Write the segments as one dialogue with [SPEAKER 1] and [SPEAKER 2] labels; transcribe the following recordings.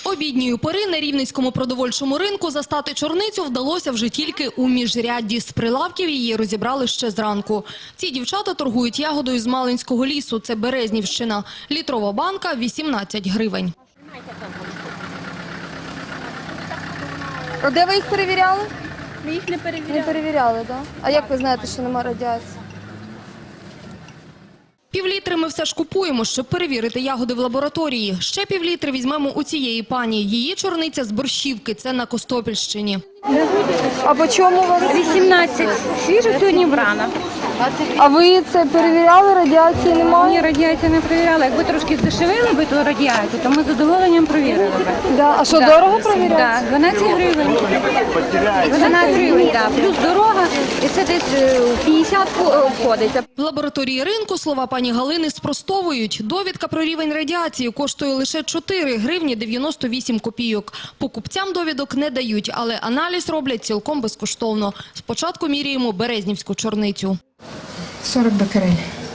[SPEAKER 1] Обідньої пори на Рівненському продовольчому ринку застати чорницю вдалося вже тільки у міжрядді. З прилавків її розібрали ще зранку. Ці дівчата торгують ягодою з Малинського лісу. Це Березнівщина. Літрова банка – 18 гривень.
[SPEAKER 2] А де ви їх перевіряли?
[SPEAKER 3] Ми їх не перевіряли.
[SPEAKER 2] Не перевіряли, так? А як ви знаєте, що немає радіації?
[SPEAKER 1] Півлітри ми все ж купуємо, щоб перевірити ягоди в лабораторії. Ще півлітри візьмемо у цієї пані. Її чорниця з Борщівки, це на Костопільщині.
[SPEAKER 2] А по чому у вас?
[SPEAKER 3] 18. Свіжа сьогодні врана.
[SPEAKER 2] А ви це перевіряли, радіації немає?
[SPEAKER 3] Ні, радіацію не перевіряли. Якби трошки здешевили би ту радіацію, то ми з задоволенням перевірили б.
[SPEAKER 2] Да. А що, дорого перевіряти?
[SPEAKER 3] Так, 12 гривень. 12 гривень, так. Плюс дорога, і це десь 50 обходиться.
[SPEAKER 1] В лабораторії ринку слова пані Галини спростовують. Довідка про рівень радіації коштує лише 4 гривні 98 копійок. Покупцям довідок не дають, але аналіз роблять цілком безкоштовно. Спочатку міряємо березнівську чорницю.
[SPEAKER 4] 40 бекерель.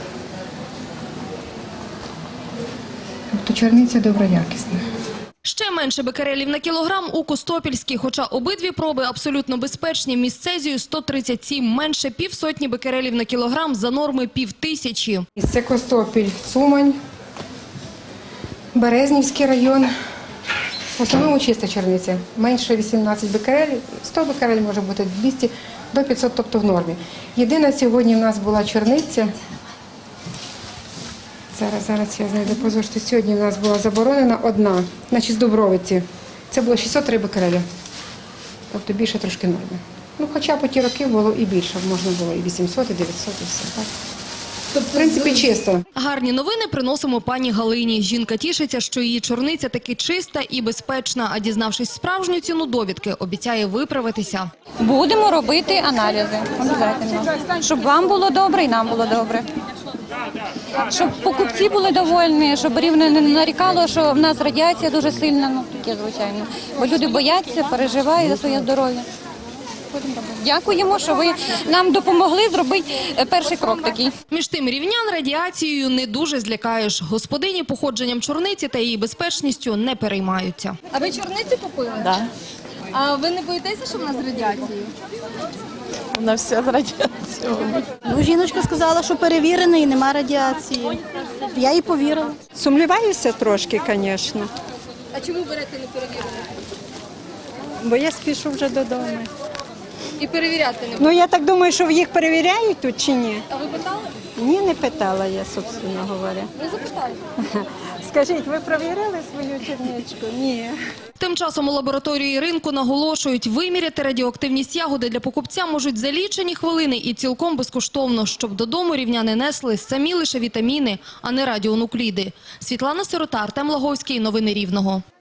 [SPEAKER 4] Тобто чорниця доброякісна.
[SPEAKER 1] Ще менше бекерелів на кілограм у Костопільській, хоча обидві проби абсолютно безпечні. Міст цезію 137, менше півсотні бекерелів на кілограм за норми 5000.
[SPEAKER 4] Це Костопіль, Цумань, Березнівський район. В основному чиста чорниця. Менше 18 бекерель, 100 бекерель може бути 200 до 500, тобто в нормі. Єдина сьогодні в нас була чорниця. Зараз я знайду позорство. Сьогодні в нас була заборонена одна, значить з Дубровиці. Це було 603 бекереля. Тобто більше трошки норми. Ну, хоча по ті роки було і більше, можна було і 800, і 900, і все. Так? Тобто, в принципі, чисто.
[SPEAKER 1] Гарні новини приносимо пані Галині. Жінка тішиться, що її чорниця таки чиста і безпечна, а дізнавшись справжню ціну довідки, обіцяє виправитися.
[SPEAKER 3] Будемо робити аналізи, обов'язково. Щоб вам було добре і нам було добре. Щоб покупці були довольні, щоб рівно не нарікало, що в нас радіація дуже сильна, ну таке звичайно. Бо люди бояться, переживають за своє здоров'я. Дякуємо, що ви нам допомогли зробити перший крок такий.
[SPEAKER 1] Між тим, рівнян радіацією не дуже злякаєш. Господині походженням чорниці та її безпечністю не переймаються.
[SPEAKER 2] А ви чорницю купили?
[SPEAKER 5] Да.
[SPEAKER 2] А ви не боїтеся, що в нас з радіацією?
[SPEAKER 5] Вона вся з радіацією.
[SPEAKER 6] Ну, жіночка сказала, що перевірений і нема радіації. Я їй повірила.
[SPEAKER 7] Сумніваюся трошки, звісно,
[SPEAKER 2] А чому берете не перевірене?
[SPEAKER 7] бо я спішу вже додому.
[SPEAKER 2] І перевіряти не будете?
[SPEAKER 7] Ну, я так думаю, що їх перевіряють тут чи ні?
[SPEAKER 2] А ви питали?
[SPEAKER 7] Ні, не питала я, собственно говоря.
[SPEAKER 2] Ви запитали.
[SPEAKER 7] Скажіть, ви перевіряли свою черничку? Ні.
[SPEAKER 1] Тим часом у лабораторії ринку наголошують, виміряти радіоактивність ягоди для покупця можуть за лічені хвилини і цілком безкоштовно, щоб додому рівняни несли самі лише вітаміни, а не радіонукліди. Світлана Сирота, Артем Лаговський. Новини Рівного.